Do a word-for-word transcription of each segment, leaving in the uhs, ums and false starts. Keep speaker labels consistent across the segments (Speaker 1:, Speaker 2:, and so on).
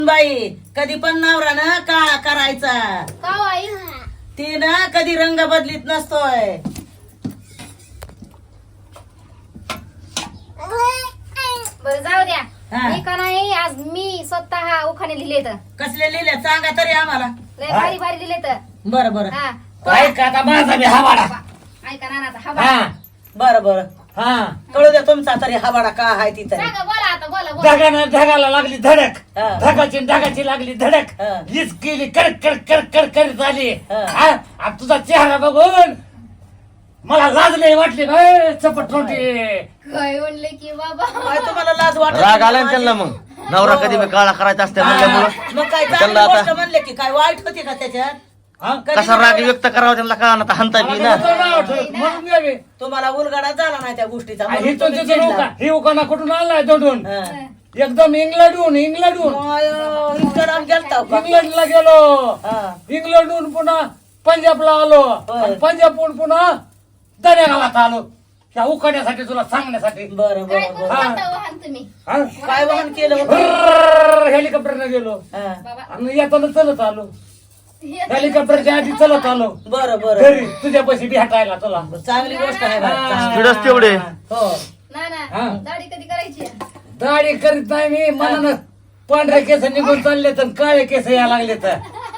Speaker 1: बाई कधी पण नवरा ना काळा करायचा
Speaker 2: का हो आई?
Speaker 1: ती ना कधी रंग बदलीत नसतोय.
Speaker 2: बरं जाऊ द्या.
Speaker 1: हा.
Speaker 2: मी का नाही आज मी स्वतः उखाणे लिहिले तर
Speaker 1: कसले लिहिले सांगा तरी आम्हाला.
Speaker 2: लय भारी भारी लिहिले तर.
Speaker 1: बरं बरं
Speaker 2: हा
Speaker 3: काय का आता माझा बी हवाडा.
Speaker 2: ऐका नानाचा
Speaker 3: हा
Speaker 2: हा
Speaker 1: बरं बरं
Speaker 3: हा
Speaker 1: कळू द्या तुमचा तरी हवाडा का आहे ती तरी.
Speaker 2: सांगा बोला आता बोला बोला.
Speaker 3: ढगानं ढगाला लागली धडक
Speaker 1: हा.
Speaker 3: ढगाची ढगाची लागली धडक
Speaker 1: हा.
Speaker 3: हीच केली कडक कडक कडक कडक करीत आली
Speaker 1: हा.
Speaker 3: हा? आणि तुझा चेहरा बघून मला लाज नाही वाटली काय चपट तोंडी.
Speaker 2: काय म्हणले की बाबा
Speaker 1: काय तुम्हाला लाज वाटत
Speaker 4: राग आला ना त्यांना मग नवरा कधी बी काळा करायचा असते म्हणल्यामुळं
Speaker 1: मग काय चांगली
Speaker 4: त्यांना आता-
Speaker 1: गोष्ट म्हणले की काय वाईट होती का त्याच्यात.
Speaker 3: हा?
Speaker 1: कधी
Speaker 4: कसा राग
Speaker 1: नवरा-
Speaker 4: व्यक्त करावा त्यांना कळा ना हंता बी ना
Speaker 3: तुझं नाव ठेव, म्हणून गेली.
Speaker 1: तुम्हाला उलगडा झाला नाही त्या गोष्टीचा
Speaker 3: आणि
Speaker 1: म्हणून
Speaker 3: ही
Speaker 1: तुम्ही
Speaker 3: तुझं
Speaker 1: चिडला.
Speaker 3: उका ही उकाना कुठून आलाय दोडून
Speaker 1: हा.
Speaker 3: एकदम इंग्लंडहून इंग्लंडहून
Speaker 1: अयो, इतकं लांब गेलता का?
Speaker 3: इंग्लंडला गेलो
Speaker 1: हा.
Speaker 3: इंग्लंडहून पुन्हा पंजाबला आलो
Speaker 1: होय.
Speaker 3: आणि पंजाबहून पुन्हा दर्या गावात आलो त्या उकाड्यासाठी तुला सांगण्यासाठी
Speaker 1: बरं
Speaker 2: काय
Speaker 1: बरं
Speaker 2: करू
Speaker 1: बरं
Speaker 2: आता वाहन तुम्ही
Speaker 3: हा?
Speaker 1: काय वाहन केलं होतं?
Speaker 3: हेलिकॉप्टरने गेलो
Speaker 1: हा.
Speaker 3: आणि येताना चलत आलो हेलिकॉप्टरच्या आधी चलत आलो
Speaker 1: बरं बरं
Speaker 3: घरी तुझ्यापाशी भेटायला तुला
Speaker 1: चांगली गोष्ट आहे बरं.
Speaker 3: हा.
Speaker 4: स्पीडच तेवढे.
Speaker 1: हो
Speaker 2: ना
Speaker 3: हा.
Speaker 2: ना दाढी कधी करायची आहे?
Speaker 3: दाढी करीत नाही मी मनानं पांढरे केस निघून चालले तर काळे केस या लागले तर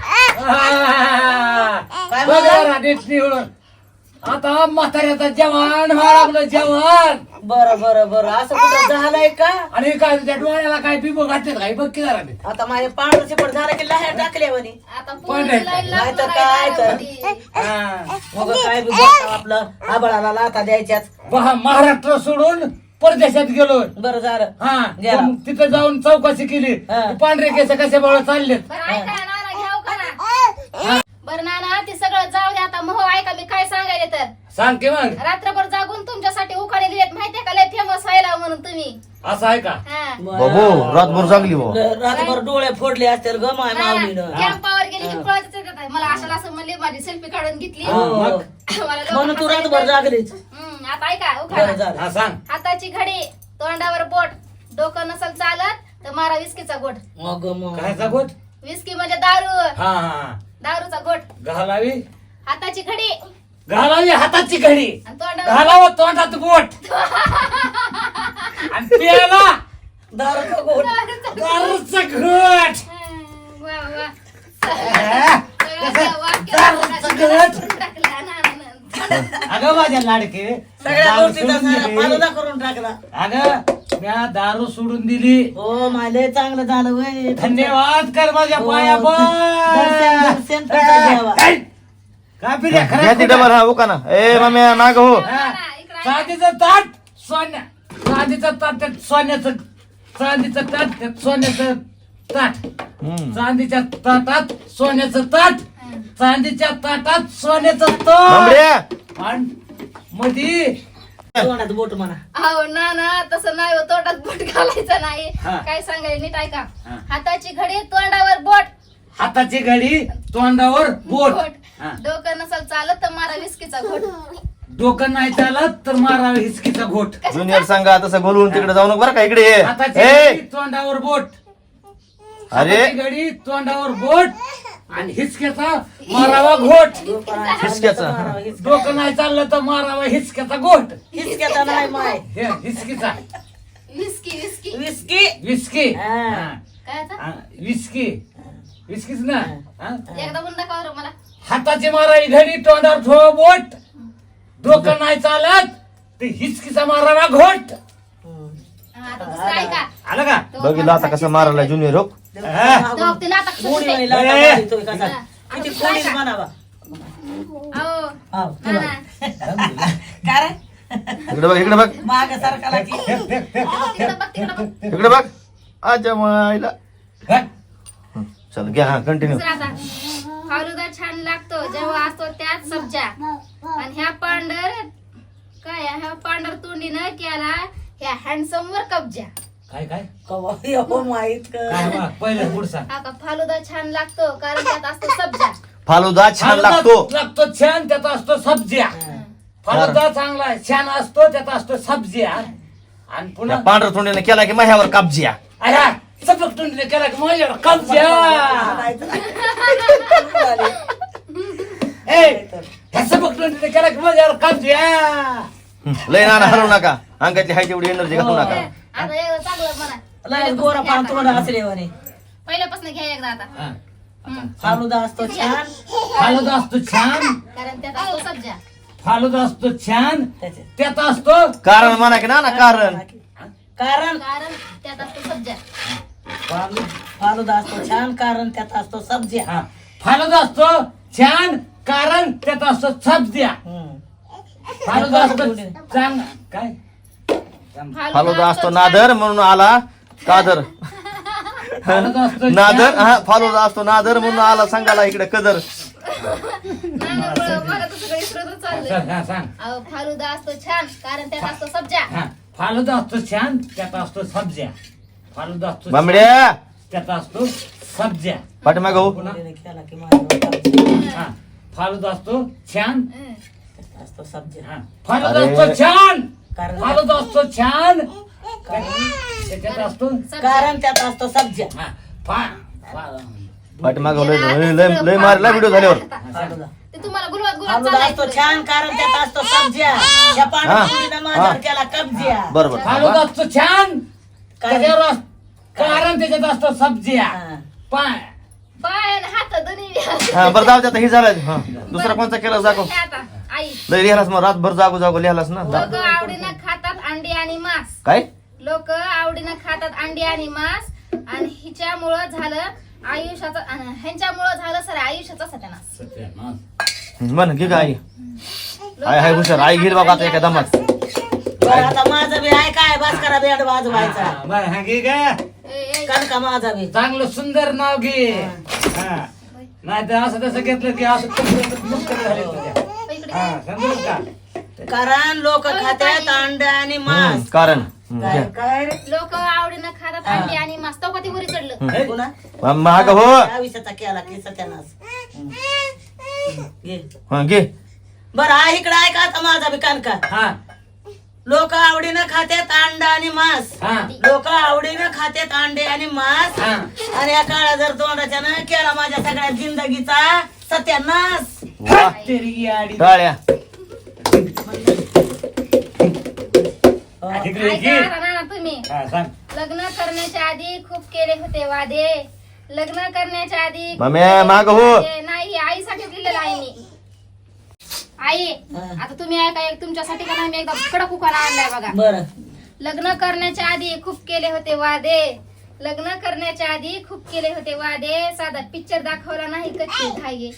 Speaker 1: काय
Speaker 3: बघ
Speaker 1: म्हणला?
Speaker 3: जरा नीट निवडून. आता म्हाताऱ्याचा जवान व्हायला लागलं जवान
Speaker 1: बरं बरं बरं असं कुठं झालंय का.
Speaker 3: आणि काय त्या डोळ्याला काय पिबो घातले काय बघ की जरा ते.
Speaker 1: आता माझे पांढरं चिपट झालं की लाह्या टाकल्या म्हणे.
Speaker 2: आता
Speaker 3: पण
Speaker 2: पोरीची लाईन
Speaker 1: नाही तर
Speaker 2: लागणार
Speaker 1: काय
Speaker 2: आहे
Speaker 1: तर.
Speaker 2: दारामध्ये.
Speaker 3: हा.
Speaker 1: मग काय बी बोलता आपलं आबळाला लाथा द्यायच्याच.
Speaker 3: महा- महाराष्ट्र सोडून परदेशात गेलो
Speaker 1: बरं झालं
Speaker 3: हा
Speaker 1: गेला.
Speaker 3: मग तिथे जाऊन चौकशी केली
Speaker 1: हा.
Speaker 3: पांढरे केस कसे बळ चाललेत
Speaker 2: बरं ऐका नाना घ्याव का ना बरं नाना ते सगळं जाऊ दे आता मग ऐका मी काय सांगायले तर
Speaker 3: सांग की मग
Speaker 2: रात्रभर जागून तुमच्यासाठी उखाणे लिहिलेत माहितीये का लय फेमस व्हायला म्हणून तुम्ही
Speaker 3: असं आहे का
Speaker 2: हा
Speaker 4: बाबू रातभर चांगली हो
Speaker 1: रातभर डोळे फोडले असतील ग माय माऊलीनं.
Speaker 2: कॅम्पावर गेली की पळतच येतात मला अशाला असं म्हणले माझी सेल्फी काढून घेतली
Speaker 1: हो.
Speaker 3: मग?
Speaker 2: मला लोकं
Speaker 1: म्हणून तू
Speaker 2: हसायला
Speaker 1: रातभर जागलीच.
Speaker 2: हम्म, आता ऐका
Speaker 1: बरं
Speaker 2: उखाणा
Speaker 1: झालं.
Speaker 3: हा सांग
Speaker 2: हाताची घडी तोंडावर बोट डोकं नसल चालत तर मारा विस्कीचा गोट
Speaker 1: मग मग
Speaker 3: काय गोट
Speaker 2: विस्की म्हणजे दारू
Speaker 3: हा हा
Speaker 2: दारूचा गोट
Speaker 3: घालावी
Speaker 2: हाताची घडी
Speaker 3: घालावी हाताची घडी
Speaker 2: आणि तोंडावर
Speaker 3: घालावं तोंडात बोट आणि प्यायला
Speaker 1: दारूचा गोट.
Speaker 3: दारूचं घोट
Speaker 2: वा, वा.
Speaker 3: हा?
Speaker 2: सगळं वाक्य
Speaker 3: दारूचं घोट
Speaker 2: टाकलं ना, ना, ना.
Speaker 3: अगं माझ्या लाडके
Speaker 1: सगळ्या
Speaker 3: दारू
Speaker 1: गोष्टीचा
Speaker 3: सोडून
Speaker 1: सारा
Speaker 3: दिली.
Speaker 1: फालुदा करून टाकला.
Speaker 3: अगं म्या दारू सोडून दिली
Speaker 1: हो माले चांगलं झालं वय.
Speaker 3: धन्यवाद कर माझ्या
Speaker 1: हो,
Speaker 3: पाया
Speaker 1: दर्शन- दर्शन तुझं घ्यावा.
Speaker 3: काय पिल्या
Speaker 4: घ्या ती
Speaker 3: खरं
Speaker 4: डबल हा उका ना ए माम्या माग हो
Speaker 3: हा. चांदीचं ताट सोन्या चांदीचं ताट त्यात सोन्याचं चांदीचं ताट त्यात सोन्याचं ताट
Speaker 4: हम्म.
Speaker 3: चांदीच्या ताटात सोन्याचं ताट चांदीच्या ताटात सोन्याचं ताट
Speaker 4: बांबड्या.
Speaker 3: आणि मधी
Speaker 1: तोंडात बोट म्हणा.
Speaker 2: अहो ना ना तसं नाही हो, तोंडात बोट घालायचं नाही
Speaker 3: हा.
Speaker 2: काय सांगायला नीट ऐका
Speaker 3: हा.
Speaker 2: हाताची घडी तोंडावर बोट
Speaker 3: हाताची घडी तोंडावर बोट हा.
Speaker 2: डोकं नसल चालत तर मारा विस्कीचा घोट
Speaker 3: डोकं नाही चालत तर मारावे हिसकीचा घोट
Speaker 4: ज्युनियर सांगा तसं बोलवून तिकडे जाऊ नको बरं का इकडे ये.
Speaker 3: हाताची
Speaker 4: ए
Speaker 3: घडी तोंडावर बोट
Speaker 4: अरे
Speaker 3: हाताची घडी तोंडावर बोट आणि हिसक्याचा मारावा घोट
Speaker 4: हिसक्याचा.
Speaker 3: डोकं नाही चाललं तर मारावा हिसक्याचा घोट
Speaker 1: हिसक्याचा नाही माय.
Speaker 3: हे हिसकीचा
Speaker 2: विस्की विस्की
Speaker 1: विस्की.
Speaker 3: विस्की
Speaker 1: हा.
Speaker 3: हा.
Speaker 2: काय आता?
Speaker 3: हा, विस्की विस्कीच ना हा?
Speaker 2: एकदा म्हणून दाखवा बरं मला
Speaker 3: हाताची मारावी घडी तोंडावर ठेवा बोट डोकं नाही चालत ते हिसकीचा मारावा घोट
Speaker 2: हा, आता दुसरं ऐका
Speaker 3: आलं का
Speaker 4: बघितलं आता कसं मारायला ज्युनियर हो
Speaker 3: हा.
Speaker 2: तो ते नाटक कसं
Speaker 1: कोणी
Speaker 2: ते?
Speaker 1: नाही लाथा
Speaker 3: ए.
Speaker 1: मारितोय कसा. किती कोणीच म्हणावा.
Speaker 2: अहो,
Speaker 1: हाव,
Speaker 2: ना,
Speaker 1: तुला.
Speaker 2: ना.
Speaker 1: काय रे
Speaker 4: इकडे बघ इकडे बघ
Speaker 1: माग सरकारला की
Speaker 2: तिकडं बघ तिकडं बघ
Speaker 4: इकडे बघ अच्छा मायला
Speaker 3: हा?
Speaker 4: चल घ्या हा कंटिन्यू
Speaker 2: दुसरं आता फालुदा छान लागतो जेव्हा असतो त्यात सब्जा आणि ह्या पांढर काय ह्या पांढर तोंडीनं केला ह्या हँडसम वर कब्जा
Speaker 3: काय काय
Speaker 1: कवा हो माहित
Speaker 3: काय
Speaker 1: का.
Speaker 3: बा, पहिलं पुढ सांग
Speaker 2: हा का फालुदा छान लागतो कारण त्यात असतो सब्जा
Speaker 4: फालुदा छान लागतो
Speaker 3: लागतो छान त्यात असतो सब्ज्या फालुदा चांगला आहे, छान असतो त्यात असतो सब्ज्या आणि
Speaker 4: त्या
Speaker 3: पुन्हा
Speaker 4: पांढऱ्या तोंडीने केला की माझ्यावर कापजिया
Speaker 3: अरे सबक तोंडीने केला की माझ्यावर कब्जा ए ह्या सबक तोंडीने केला की माझ्यावर कब्जा
Speaker 4: लय नाना हलवू नका अंगातली हाय तेवढी एनर्जी घालू नका
Speaker 2: आता एकदा चांगलं म्हणा
Speaker 1: लय गोरा पान तोंड असले म्हणे
Speaker 2: पहिल्यापासून घ्या एकदा आता
Speaker 3: हा.
Speaker 2: हम्म.
Speaker 1: फालुदा असतो छान
Speaker 3: फालुदा असतो छान
Speaker 2: कारण त्यात असतो सब्जा
Speaker 3: फालुदा असतो छान
Speaker 1: त्याचे
Speaker 3: त्यात असतो
Speaker 4: कारण म्हणा की नाना कारण
Speaker 1: कारण
Speaker 2: कारण त्यात असतो सब्जा
Speaker 1: फालु- फालुदा असतो छान कारण त्यात असतो सब्जी
Speaker 3: हा. फालुदा असतो छान कारण त्यात असतो सब्ज्या फालुदा असतो चांग काय
Speaker 4: फालुदा असतो नादर म्हणून आला कादर
Speaker 3: फालुदा असतो
Speaker 4: नादर हा फालुदा असतो नादर म्हणून आला सांगायला इकडे कदर
Speaker 2: नाही ना, बरं, मला तर सगळं विसरतच चाललंय.
Speaker 3: सांग हा, सांग
Speaker 2: अहो, फालुदा असतो छान कारण त्यात असतो सब्जा
Speaker 3: हा. फालुदा असतो छान त्यात असतो सब्ज्या फालुदा असतो छान,
Speaker 4: बांबड्या
Speaker 3: त्यात असतो सब्ज्या
Speaker 4: पाठीमाग हो
Speaker 1: केला की माझ्यावर
Speaker 3: हा. फालुदा असतो छान
Speaker 2: हं.
Speaker 1: त्यात असतो सब्जी
Speaker 3: हा. फालुदा
Speaker 4: अरे.
Speaker 3: असतो छान
Speaker 1: कारण
Speaker 3: फालुदा असतो छान त्याच्यात असतो
Speaker 2: सब्जा.
Speaker 1: कारण त्यात असतो सब्जी
Speaker 3: हा. फा- फा-
Speaker 4: पाठीमाग लय लय- लय लय मारला व्हिडिओ झाल्यावर
Speaker 1: फालुदा
Speaker 2: ते तुम्हाला गुलवात गुलाब
Speaker 1: फालुदा असतो
Speaker 2: चालायचं.
Speaker 1: छान कारण त्यात असतो सब्ज्या या पाण्यानं माझ्यावर केला कब्जिया
Speaker 4: बरोबर
Speaker 3: फालुदा असतो छान
Speaker 1: कारण
Speaker 3: त्याच्यावर अस- कारण त्याच्यात असतो सब्ज्या
Speaker 1: हा.
Speaker 3: पाय
Speaker 2: पाय आणि हात दोन्ही
Speaker 4: हा बरं जाऊ दे आता ही झालं हा दुसरा कोणता केला जागो
Speaker 2: हे आता आई
Speaker 4: लय लिहालास मग रातभर जागो जागो लिहालास ना
Speaker 2: लोक आवडीनं खातात अंडी आणि मांस
Speaker 4: काय
Speaker 2: लोक आवडीनं खातात अंडी आणि मांस आणि हिच्यामुळं झालं आयुष्याचं अन ह्यांच्यामुळं झालं सर आयुष्याचा सत्यानाश
Speaker 3: सत्यानाश.
Speaker 4: म्हण की काय
Speaker 2: लोकं
Speaker 4: हाय हाय हुशार आई घेईल बाबा आता एका दमात
Speaker 1: बरं आता माझं बी आहे काय भास्करा बेड वाजवायचा
Speaker 3: हा, बरं, हा, घे का?
Speaker 2: ए, ए,
Speaker 1: कणका माझा बी
Speaker 3: चांगलं सुंदर नाव घे हा. नाही तर असं तसं घेतलं की असं तुमचं मुश्किल झाली तुझ्या.
Speaker 2: इकडे.
Speaker 3: हा, समजलं का?
Speaker 1: कारण लोक खात्यात अंड आणि मांस
Speaker 4: हम्म, कारण हम्म,
Speaker 1: काय
Speaker 4: घ्या.
Speaker 1: काय रे
Speaker 2: लोक आवडीनं खातात अंडी आणि मांस तो कधी वरी चढलं
Speaker 3: हे?
Speaker 1: पुन्हा
Speaker 4: महाग हो
Speaker 1: आयुष्याचा केला की सत्यानाश घे
Speaker 4: हा घे
Speaker 1: बरं हा इकडे ऐका आता माझा बी कणका
Speaker 3: हा,
Speaker 1: लोक आवडीनं खात्यात अंड आणि मांस
Speaker 3: हा,
Speaker 1: लोक आवडीनं खात्यात अंडे आणि मांस
Speaker 3: हा.
Speaker 1: आणि या काळा जर तोंडाच्या न केला माझ्या सगळ्या जिंदगीचा सत्यानाश
Speaker 4: वा
Speaker 3: तेरी आडी.
Speaker 4: टाळ्या
Speaker 3: हा, तिकडे घे.
Speaker 2: ऐका आता ना तुम्ही
Speaker 3: हा, सांग.
Speaker 2: लग्न करण्याच्या आधी खूप केले होते वादे लग्न करण्याच्या आधी खूप
Speaker 4: मम्मी,
Speaker 2: केले
Speaker 4: मागं
Speaker 2: होते
Speaker 4: हो.
Speaker 2: वादे. नाही आईसाठी लिहिलेलं आहे मी आई
Speaker 1: हा.
Speaker 2: आता तुम्ही ऐका एक तुमच्यासाठी का नाही मी एकदा कडक उखाणा आणलाय बघा
Speaker 1: बर
Speaker 2: लग्न करण्याच्या आधी खूप केले होते वादे लग्न करण्याच्या आधी खूप केले होते वादे साधा पिक्चर दाखवला नाही कच्चे धागे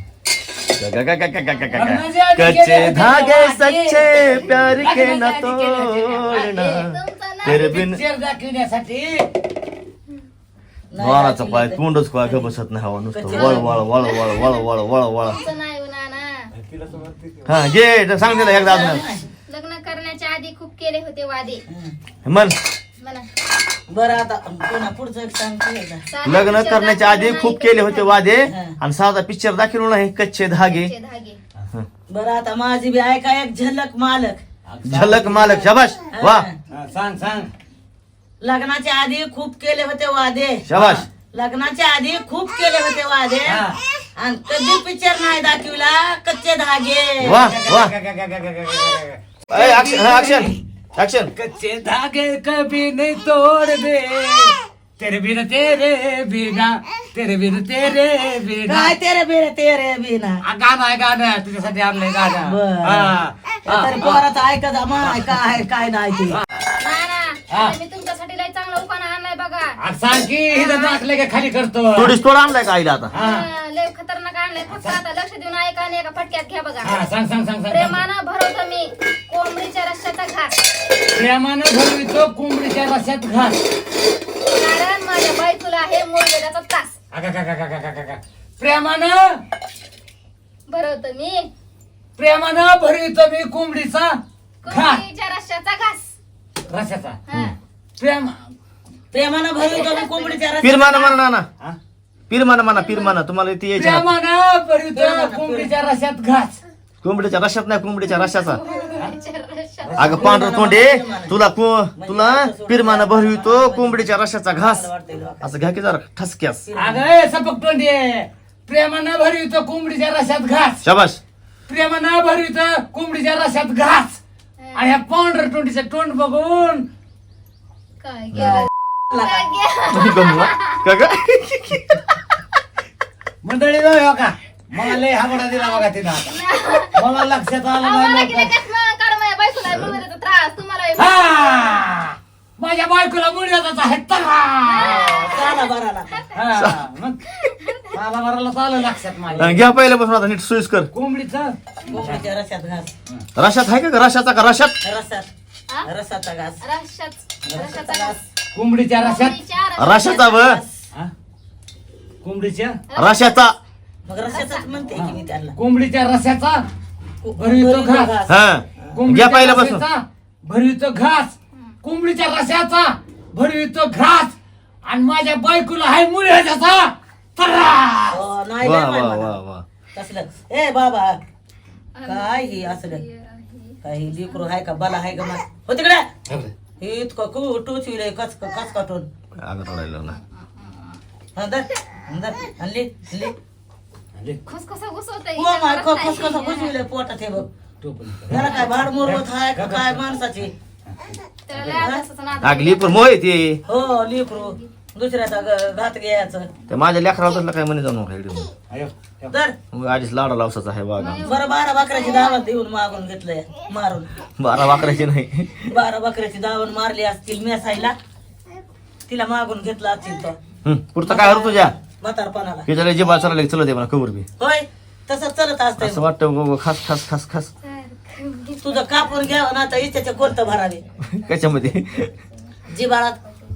Speaker 4: कच्चे धागे सच्चे प्यार के न तोडना
Speaker 2: तुमचं नाव
Speaker 4: तेरे बिन
Speaker 3: पिक्चर दाखवण्यासाठी
Speaker 4: वाळाचा पाय तोंडच काय ग बसत नाही हवा नुसतं वळ वळ वळ वळ वळ वळ वळ वळ
Speaker 2: तुमचं नाही नाना
Speaker 4: हा घे सांग दिला एकदा अजून
Speaker 2: लग्न करण्याच्या आधी खूप केले होते वादे
Speaker 4: म्हण
Speaker 2: म्हणा
Speaker 1: बर आता पुन्हा पुढचं एक सांगते एकदा.
Speaker 2: साधा
Speaker 4: लग्न
Speaker 2: picture
Speaker 4: करण्याच्या आधी
Speaker 2: दाखवला
Speaker 4: खूप
Speaker 2: नाही
Speaker 4: केले होते वादे
Speaker 1: हा.
Speaker 4: आणि साधा पिक्चर दाखवलो नाही कच्चे धागे
Speaker 2: कच्चे धागे
Speaker 1: बरं आता माझी बी ऐका एक झलक मालक
Speaker 4: झलक मालक शाबाश वा
Speaker 3: हा, सांग सांग
Speaker 1: लग्नाच्या आधी खूप केले होते वादे
Speaker 4: शाबाश
Speaker 1: लग्नाच्या आधी खूप केले होते वादे
Speaker 3: हा.
Speaker 1: आणि कधी पिक्चर नाही दाखविला कच्चे धागे
Speaker 4: वा वा ऍक्शन ऍक्शन
Speaker 3: कच्चे धागे कभी नहीं तोड़ दे तेरे बिना तेरे बिना तेरे बिना तेरे बिना
Speaker 1: काय तेरे बेरे तेरे बिना
Speaker 3: आ, गाणं आहे गाणं आहे. तुझ्यासाठी आणलंय गाणं
Speaker 1: बरं.
Speaker 3: हा, हा,
Speaker 1: तरी पोराचं ऐका जा माय काय काय नाही ते
Speaker 3: हा.
Speaker 2: नाना मी तुमच्यासाठी लय चांगला उखाणा आणलाय बघा
Speaker 3: आ, सांग की इथं दाखले का खाली करतो
Speaker 4: थोडीच थोडं आणलाय का आईला आता
Speaker 3: हा,
Speaker 2: हा, लय खतरनाक आणलाय फक्त आता लक्ष देऊन ऐका आणि एका फटक्यात घ्या बघा
Speaker 3: हा, सांग सांग सांग सांग
Speaker 2: प्रेमानं भरवतो मी कोंबडीच्या रश्याचा घास
Speaker 3: प्रेमानं भरवितो कोंबडीच्या रस्त्यात घास
Speaker 2: कारण माझ्या बायकोला आहे मुळवेदाचा त्रास
Speaker 3: आगा, का, का, का, का, का, का, का. प्रेमानं
Speaker 2: भरवतो मी
Speaker 3: प्रेमानं भरवितो मी कोंबडीचा घास
Speaker 2: कोंबडीच्या रश्याचा घास
Speaker 3: रस्त्याचा
Speaker 2: हा.
Speaker 3: प्रेम
Speaker 1: प्रेमानं भरवितो मी कोंबडीच्या रस्त्यात.
Speaker 4: पिरमाना म्हणा ना
Speaker 3: हा?
Speaker 4: पिरमाना म्हणा पिरमाना तुम्हाला ती यायची ना
Speaker 3: प्रेमानं भरवितो कोंबडीच्या रस्त्यात घास
Speaker 4: कोंबडीच्या रशात नाही कोंबडीच्या रशाचा अगं पांढरं तोंडे तुला को तुला पिरमाना भरवितो कोंबडीच्या रशाचा घास असं घ्या की जरा ठसक्यास.
Speaker 3: अगं ए, सपक तोंडे प्रेमानं भरवितो कोंबडीच्या रशात घास.
Speaker 4: शाबास.
Speaker 3: प्रेमानं भरवितो कोंबडीच्या रशात घास. आणि ह्या पांढर तोंडीचं तोंड बघून
Speaker 2: काय गेलं काय गेलं?
Speaker 4: तुम्ही गमला का ग?
Speaker 3: मंडळी जाऊ हो का मला लय हाबडा दिला बघा तिनं आता. मला लक्षात आलं
Speaker 2: आम्हाला
Speaker 3: नाही
Speaker 2: गेले
Speaker 3: लवकर.
Speaker 2: कसं कारण माझ्या बायकोला मुलगाचा त्रास तुम्हाला
Speaker 3: हा! माझ्या बायकोला मुळ्याचा आहे तरा.
Speaker 1: चाला बराला
Speaker 3: हा, मग मला बराला चाललं लक्षात माझ्या.
Speaker 4: अं, घ्या पहिल्यापासून आता नीट सुईस कर.
Speaker 3: कोंबडीचं
Speaker 1: कोंबडीच्या रशात घास
Speaker 4: रशात आहे का ग? रशाचा का रशात?
Speaker 1: रसात
Speaker 2: हा?
Speaker 1: रसाचा घास
Speaker 2: रशाच रशाचा घास.
Speaker 3: कोंबडीच्या रशात
Speaker 2: कोंबडीच्या
Speaker 4: रशाचा व
Speaker 3: हा? कोंबडीच्या
Speaker 4: रशाचा.
Speaker 1: मग रशाचाच म्हणते की मी त्यांना
Speaker 3: कोंबडीच्या रशाचा भरवितो घास.
Speaker 4: हा घ्या
Speaker 3: कोंबडीच्या
Speaker 4: पहिल्यापासून.
Speaker 3: रशाचा भरवितो घास. कोंबडीच्या रशाचा भरवितो घास. आणि माझ्या बायकोला हाय मुळ्याचा त्रास.
Speaker 1: हो, नाही
Speaker 4: वा
Speaker 1: लय
Speaker 4: वा
Speaker 1: माय
Speaker 4: वा
Speaker 1: मला.
Speaker 4: वा.
Speaker 1: तसलं ए बाबा काय हे असलं काही लिकरू आहे का बला आहे का मा हो तिकडे हे इतकं कु टोचविलंय कच कच काटून
Speaker 4: अगं रडायला ना.
Speaker 1: अंदर अंदर हल्ली हल्ली
Speaker 2: खुसखुसा घुसवतंय.
Speaker 1: हो माय कस कसं घुसविलंय पोटात हे बघ त्याला काय भाड मोरवत आहे का काय माणसाची
Speaker 2: त्याला लय अभ्यासाचं नाद.
Speaker 4: आगली पण मोह येते.
Speaker 1: हो लिकरू दुसऱ्याचा ग- घात घ्यायचं
Speaker 4: ते माझ्या लेकराला तसलं काय म्हणे जाऊ नका इकडे.
Speaker 3: अयो,
Speaker 1: तर
Speaker 4: मग आधीच लाडा लावसाचा आहे बागा.
Speaker 1: बरं बारा बकऱ्याची दावण देऊन मागून घेतलंय मारून
Speaker 4: बारा वाकरायची नाही.
Speaker 1: बारा बकऱ्याची दावण मारली असतील मेसायला तिला मागून घेतला असतील तो
Speaker 4: हं, पुढचं काय होतं तुझ्या
Speaker 1: म्हातारपणाला
Speaker 4: की त्याला जिबा चालला चलत आहे मला कबर बी
Speaker 1: होय तसंच चलत
Speaker 4: असं
Speaker 1: असतंय
Speaker 4: वाटतं गो- गो, खास खास खास खास
Speaker 1: तुझं कापून घ्यावं ना तर इच्छाचे कोणतं भरावे
Speaker 4: कशामध्ये.
Speaker 1: जिबाळात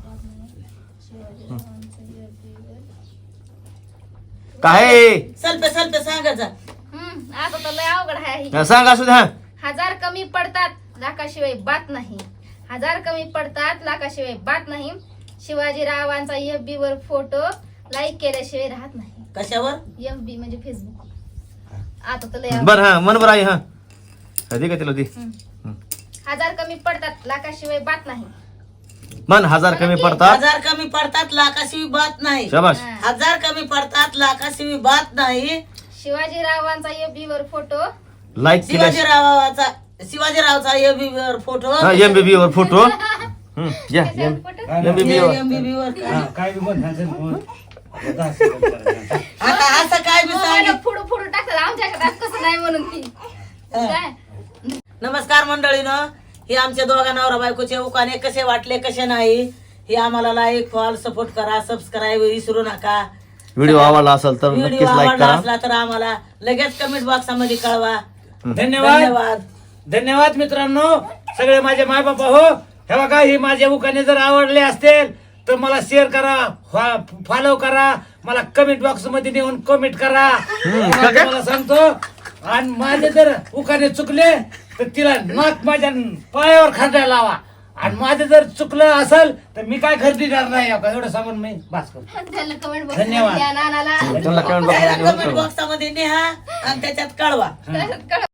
Speaker 4: काय
Speaker 1: सल्पे सल्पे सांगायचा
Speaker 2: हम्म, आता तर लय अवघड आहे.
Speaker 4: सांग असू द्या.
Speaker 2: हजार कमी पडतात लाखाशिवाय बात नाही. हजार कमी पडतात लाखाशिवाय बात नाही. शिवाजीरावांचा एफ बी वर फोटो लाईक केल्याशिवाय राहत नाही.
Speaker 1: कशावर
Speaker 2: एफ बी म्हणजे फेसबुक. आता तर लय अवघड.
Speaker 4: बर हा मन बरं आहे. हा दे का तिला दे.
Speaker 2: हम्म. हजार कमी पडतात लाखाशिवाय बात नाही.
Speaker 4: मन हजार कमी पडतात.
Speaker 1: हजार कमी पडतात लाखाशिवी बात नाही
Speaker 4: शाबास.
Speaker 1: हजार कमी पडतात लाखाशिवी बात नाही
Speaker 2: शिवाजीरावांचा एफ बी वर फोटो
Speaker 4: लाईक केल्या
Speaker 1: शिवाजीरावाचा शिवाजीरावचा एबी वर फोटो
Speaker 4: हा एमबीबी वर फोटो. हं, या एम-
Speaker 2: फोटो
Speaker 4: एमबीबी वर.
Speaker 1: एमबीबी वर काय?
Speaker 3: हा, काय बी बोल ह्याचं बोल. दहा सेकंद करायचं.
Speaker 1: आता असं काय मी सांगितलं
Speaker 2: फुडू फुडू टाकतात आमच्याकडे कसं नाही म्हणून ती काय
Speaker 1: नमस्कार मंडळीनं हे आमच्या दोघा नवरा बायकोचे उकाने कसे वाटले कसे नाही हे आम्हाला लाईक फॉल सपोर्ट करा सबस्क्राईब विसरू नका
Speaker 4: व्हिडिओ आवडला असेल तर
Speaker 1: व्हिडिओ
Speaker 4: नक्कीच लाईक
Speaker 1: आवडला
Speaker 4: करा.
Speaker 1: असला तर आम्हाला लगेच कमेंट बॉक्समध्ये कळवा
Speaker 3: धन्यवाद
Speaker 1: धन्यवाद
Speaker 3: धन्यवाद मित्रांनो सगळे माझे माय बापा हो. हे बघा ही माझे उखाणे जर आवडले असतील तर मला शेअर करा फॉलो करा मला कमेंट बॉक्स मध्ये नेऊन कमेंट करा.
Speaker 4: का काय?
Speaker 3: मला सांगतो आणि माझे जर उखाणे चुकले तर तिला नाक माझ्या पायावर खरडायला लावा. आणि माझं जर चुकलं असेल तर मी काय खरेदीदार नाही हो का एवढं सांगून मी बास करतो.
Speaker 2: त्यांना कमेंट
Speaker 3: धन्यवाद.
Speaker 2: बॉक्स नानाला
Speaker 4: त्यांना comment box मध्ये
Speaker 1: कमेंट बॉक्समध्ये नेहा आणि त्याच्यात कळवा
Speaker 2: कळवा